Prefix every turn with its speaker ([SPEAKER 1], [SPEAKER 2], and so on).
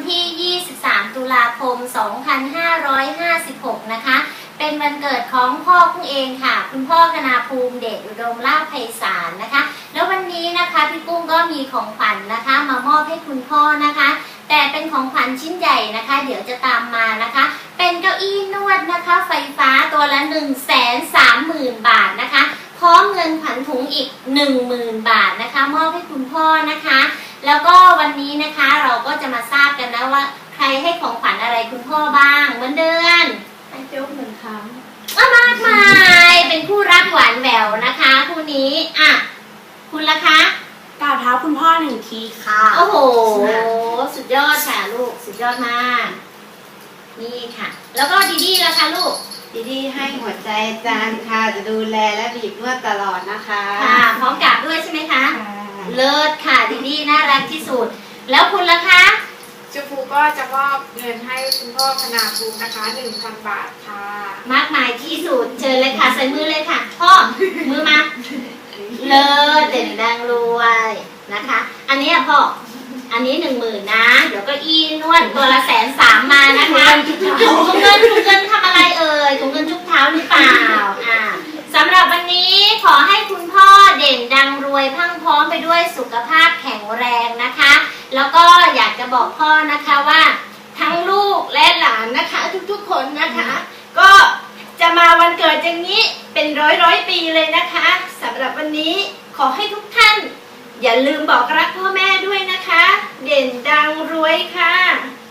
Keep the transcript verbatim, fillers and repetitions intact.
[SPEAKER 1] ที่ ยี่สิบสาม ตุลาคม สองพันห้าร้อยห้าสิบหก นะคะเป็นวันเกิดของพ่อกุ้งเองค่ะคุณพ่อคณาภูมิเดชอุดมลาภไพศาลนะคะแล้ววันนี้นะคะพี่กุ้งก็มีของขวัญนะคะมามอบให้คุณพ่อนะคะแต่เป็นของขวัญชิ้นใหญ่นะคะเดี๋ยวจะตามมานะคะเป็นเก้าอี้นวดนะคะไฟฟ้าตัวละ หนึ่งแสนสามหมื่น บาทนะคะพร้อมเงินขวัญถุงอีก หนึ่งหมื่น บาทนะคะมอบให้คุณพ่อนะคะแล้วก็วันนี้นะคะเราก็จะมาทราบกันนะว่าใครให้ของขวัญอะไรคุณพ่อบ้างเหมือนเดือน
[SPEAKER 2] ให้โจ๊กหนึ่งครั้ง
[SPEAKER 1] มากมายเป็นคู่รักหวานแหววนะคะคู่นี้อ่ะคุณล่ะคะ
[SPEAKER 2] กราบเท้าคุณพ่อหนึ่งทีค่ะ
[SPEAKER 1] โอ้โหสุดยอดค่ะลูกสุดยอดมากนี่ค่ะแล้วก็ดีดีล่ะคะลูก
[SPEAKER 3] ดีดีให้หัวใจจานค่ะจะดูแลและบีบนวดตลอดนะคะ
[SPEAKER 1] ค่ะพร้อมกราบด้วยใช่ไหมคะเลิศค่ะดีดีน่ารักที่สุดแล้วคุณล่ะคะ
[SPEAKER 4] จูฟูก็จะมอบเงินให้คุณพ่อคณาภูมินะคะ หนึ่งพัน บาทค่ะ
[SPEAKER 1] มากมายที่สุดเชิญเลยค่ะใส่มือเลยค่ะพ่อมือมาเลิศเด่นดังรวยนะคะอันนี้พ่ออันนี้หนึ่งหมื่นนะเดี๋ยวก็อีนวดตัวละแสนสามมานะคะถุงเงินถุงเงินทำอะไรเอ่ยถุงเงินชุบเท้าหรือเปล่าอ่าสำหรับวันนี้ขอให้คุณพ่อเด่นดังรวยพรั่งพร้อมไปด้วยสุขภาพแข็งแรงนะคะแล้วก็อยากจะบอกพ่อนะคะว่าทั้งลูกและหลานนะคะทุกๆคนนะคะก็จะมาวันเกิดอย่างนี้เป็นร้อยร้อยปีเลยนะคะสำหรับวันนี้ขอให้ทุกท่านอย่าลืมบอกรักพ่อแม่ด้วยนะคะเด่นดังรวยค่ะ